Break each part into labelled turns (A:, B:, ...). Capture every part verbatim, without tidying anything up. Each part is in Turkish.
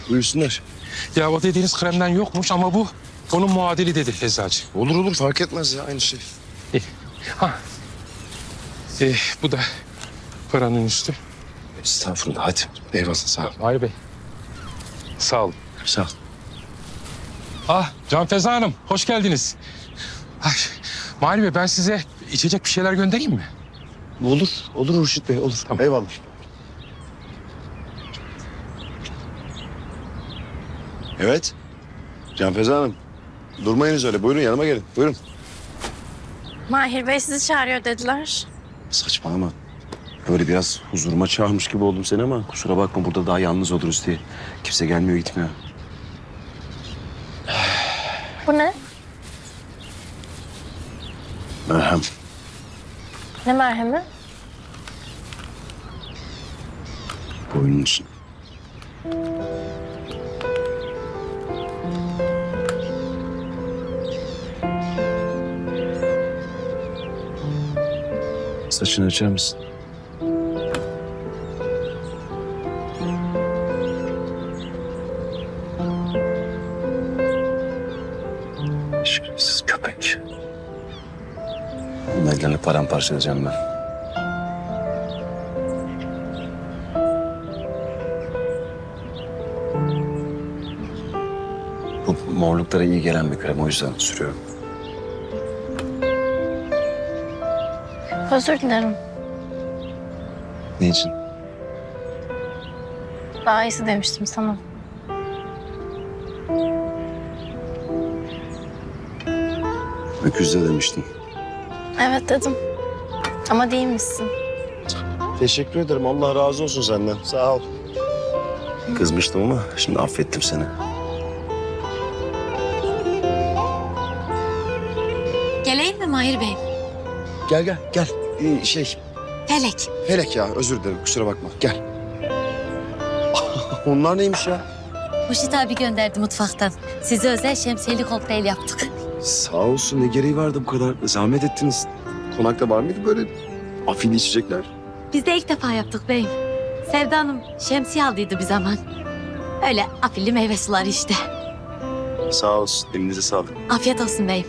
A: Buyursunlar.
B: Ya o dediğiniz kremden yokmuş ama bu onun muadili dedi eczacı.
A: Olur olur fark etmez ya aynı şey.
B: İyi. Ha. Ee, bu da paranın üstü.
A: Estağfurullah hadi. Eyvallah sağ ol.
B: Mahir Bey. Sağ olun.
A: Sağ ol.
B: Ah Can Feza Hanım hoş geldiniz. Ay, Mahir Bey ben size içecek bir şeyler göndereyim mi?
A: Olur. Olur Hurşit Bey olur.
B: Tamam.
A: Eyvallah. Evet. Can Feza Hanım. Durmayınız öyle. Buyurun yanıma gelin. Buyurun.
C: Mahir Bey sizi çağırıyor dediler.
A: Saçmalama. Böyle biraz huzuruma çağırmış gibi oldum seni ama kusura bakma burada daha yalnız oluruz diye. Kimse gelmiyor gitmiyor.
C: Bu ne?
A: Merhem.
C: Ne merhemi?
A: Boynun için. Saçını açar mısın? Şerefsiz köpek. Bunun ellerini paramparça edeceğim ben. Bu morluklara iyi gelen bir krem o yüzden sürüyorum.
C: Özür dilerim.
A: Ne için?
C: Daha iyisi demiştim sana.
A: Öküzde demiştin.
C: Evet dedim. Ama değilmişsin.
A: Teşekkür ederim. Allah razı olsun senden. Sağ ol. Kızmıştım ama şimdi affettim seni.
D: Geleyim mi Mahir Bey?
A: Gel gel gel. Ee, şey
D: Felek.
A: Felek ya özür dilerim kusura bakma. Gel. Onlar neymiş ya?
D: Huşit abi gönderdi mutfaktan. Size özel şemsiyeli kokteyl yaptık.
A: Sağ olsun ne gereği vardı bu kadar. Zahmet ettiniz. Konakta var mıydı böyle afili içecekler?
D: Biz de ilk defa yaptık beyim. Sevda Hanım şemsiye aldıydı bir zaman. Öyle afilli meyve suları işte.
A: Sağ olsun. Elinize sağlık.
D: Afiyet olsun beyim.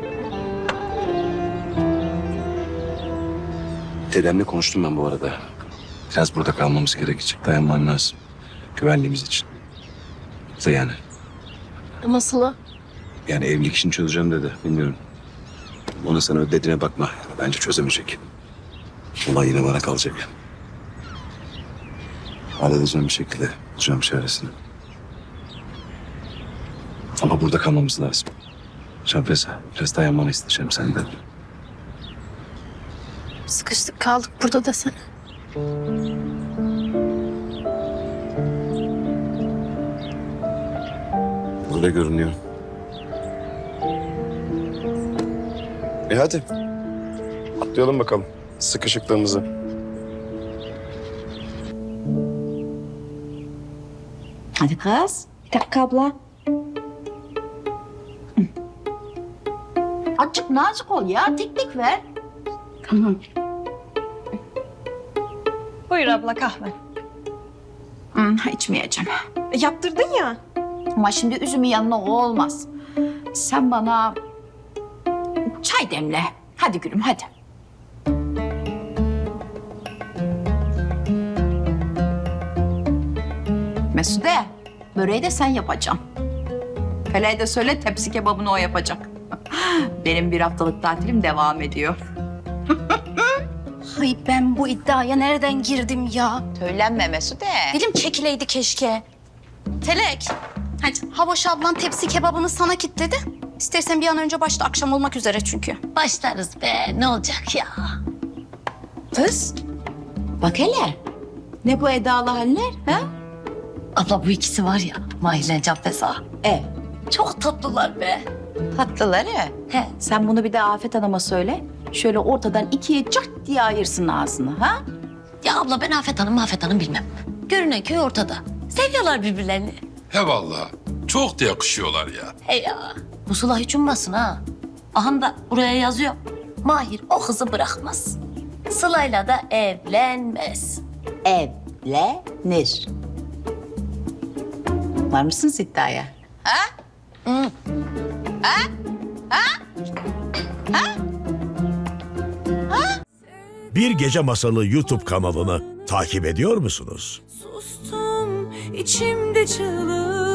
A: Dedemle konuştum ben bu arada. Biraz burada kalmamız gerekecek. Dayanman lazım. Güvenliğimiz için. Da yani.
C: Nasıl?
A: Yani evlilik işini çözeceğim dedi. Bilmiyorum. Ona sen öyle dediğine bakma. Bence çözemeyecek. Olay yine bana kalacak. Halledeceğim bir şekilde. Bulacağım çaresini. Ama burada kalmamız lazım. Şampesa, biraz dayanmanı isteyeceğim senden.
C: Sıkıştık kaldık burada desene.
A: Öyle görünüyor. E hadi. Atlayalım bakalım sıkışıklığımızı.
E: Hadi kız. Bir dakika abla. Azıcık nazik ol ya. Teknik ver. Tamam.
F: Buyur abla kahve.
E: Hmm, içmeyeceğim.
F: E, yaptırdın ya.
E: Ama şimdi üzümün yanına o olmaz. Sen bana çay demle. Hadi gülüm hadi. Mesude, böreği de sen yapacaksın. Feleğe de söyle tepsi kebabını o yapacak. Benim bir haftalık tatilim devam ediyor.
C: Ay ben bu iddiaya nereden girdim ya?
E: Söylenme Mesude.
C: Dilim çekileydi keşke. Felek. Hadi Havoş ablan tepsi kebabını sana kilitledi. İstersen bir an önce başla akşam olmak üzere çünkü.
D: Başlarız be ne olacak ya.
E: Kız, bak hele. Ne bu edalı haller ha?
D: Abla bu ikisi var ya Mahir'le Can Feza.
E: E,
D: Çok tatlılar be.
E: tatlıları.
D: He.
E: Sen bunu bir de Afet Hanım'a söyle. Şöyle ortadan ikiye cart diye ayırsın ağzını ha?
D: Ya abla ben Afet Hanım Afet Hanım bilmem. Görünen köy ortada. Seviyorlar birbirlerini.
G: He vallahi. Çok da yakışıyorlar ya.
D: He ya. Bu Sıla hiç ummasın ha. Aham da buraya yazıyor. Mahir o kızı bırakmaz. Sıla'yla da evlenmez.
E: Evlenir. Var mısınız iddiaya?
H: Bir Gece Masalı YouTube kanalını takip ediyor musunuz?
I: Sustum içimde çığlık.